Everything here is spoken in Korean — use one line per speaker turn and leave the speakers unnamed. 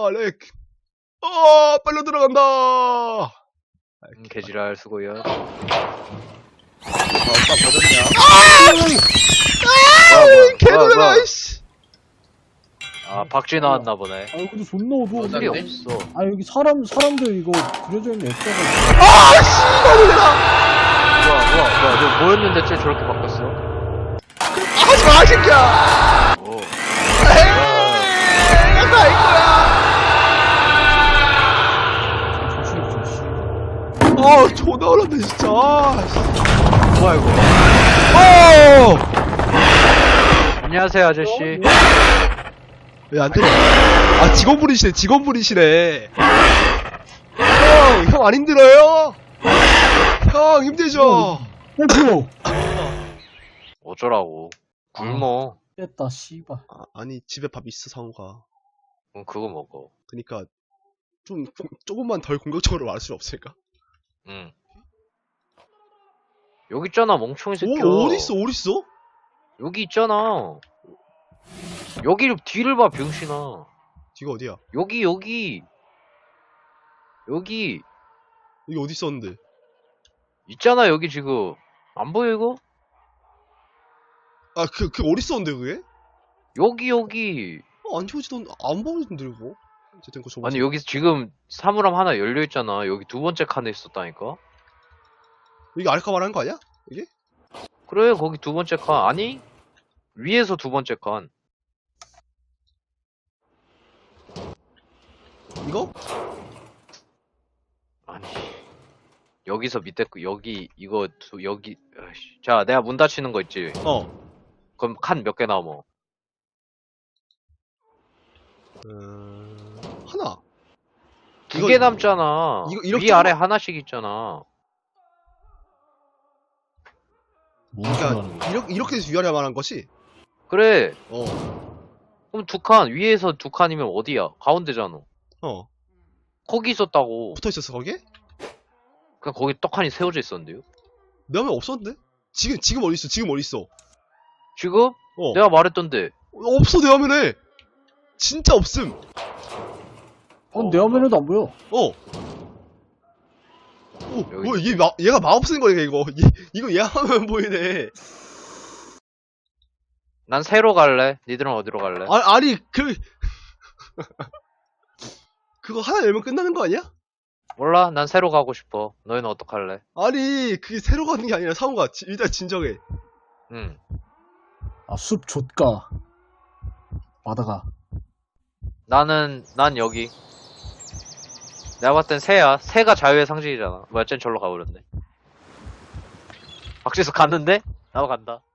렉. 빨려 들어간다.
개지랄 수고요.
오빠 버렸냐?
개놀라, 이씨.
아, 박쥐 나왔나 보네.
아 근데 존나 어두워.
필이
맞네.
없어.
아 여기 사람들 이거 그려져 있는 액자가
씨발, 놀래라.
뭐야, 너 뭐였는데 쟤 저렇게 바꿨어?
하지 마, 이 새끼야.
오.
내가 이거야.
조심.
존나 어렵네, 진짜.
뭐야, 이거. 안녕하세요, 아저씨.
왜 안 들어? 직원분이시네. 형 안 힘들어요? 형 힘들죠?
뭐야?
어쩌라고. 굶어.
깼다 씨발.
아니, 집에 밥 있어, 상우가.
그거 먹어.
그니까, 조금만 덜 공격적으로 말할 수 없을까?
응. 여기 있잖아, 멍청이 새끼야.
어딨어?
여기 있잖아. 여기 뒤를 봐, 병신아.
뒤가 어디야?
여기.
여기 어디 있었는데?
있잖아, 여기 지금. 안 보여, 이거?
그 어디 있었는데, 그게?
여기.
안 지워지던, 안 보이던데, 이거? 어쨌든, 그거
아니, 여기 지금 사물함 하나 열려있잖아. 여기 두 번째 칸에 있었다니까?
이게 알까 말하는 거 아니야? 이게?
그래, 거기 두 번째 칸. 아니? 위에서 두 번째 칸.
이거?
아니. 여기서 밑에, 여기, 이거, 여기. 아이씨. 자, 내가 문 닫히는 거 있지? 그럼 칸 몇 개 남어?
하나.
두 개 남잖아.
이렇게
위 아래 하나씩 있잖아.
그러니까, 이렇게 해서 위아래 말한 것이?
그래.
어.
그럼 두 칸, 위에서 두 칸이면 어디야? 가운데잖아. 거기 있었다고.
붙어 있었어, 거기에?
그냥 거기 떡하니 세워져 있었는데요?
내 화면 없었는데? 지금 어디 있어? 지금?
내가 말했던데.
없어, 내 화면에! 진짜 없음!
내 화면에도 안 보여.
뭐야, 얘가 마법 쓰는 거야, 이거. 이거 얘 화면 보이네.
난 새로 갈래. 니들은 어디로 갈래?
아니, 그거 하나 열면 끝나는 거 아니야?
몰라. 난 새로 가고 싶어. 너희는 어떡할래?
아니, 그게 새로 가는 게 아니라 상우가 일단 진정해.
응.
숲 좆가. 바다가.
난 여기. 내가 봤을 땐 새야. 새가 자유의 상징이잖아. 뭐야, 쟨 절로 가버렸네. 박지수 갔는데? 나도 간다.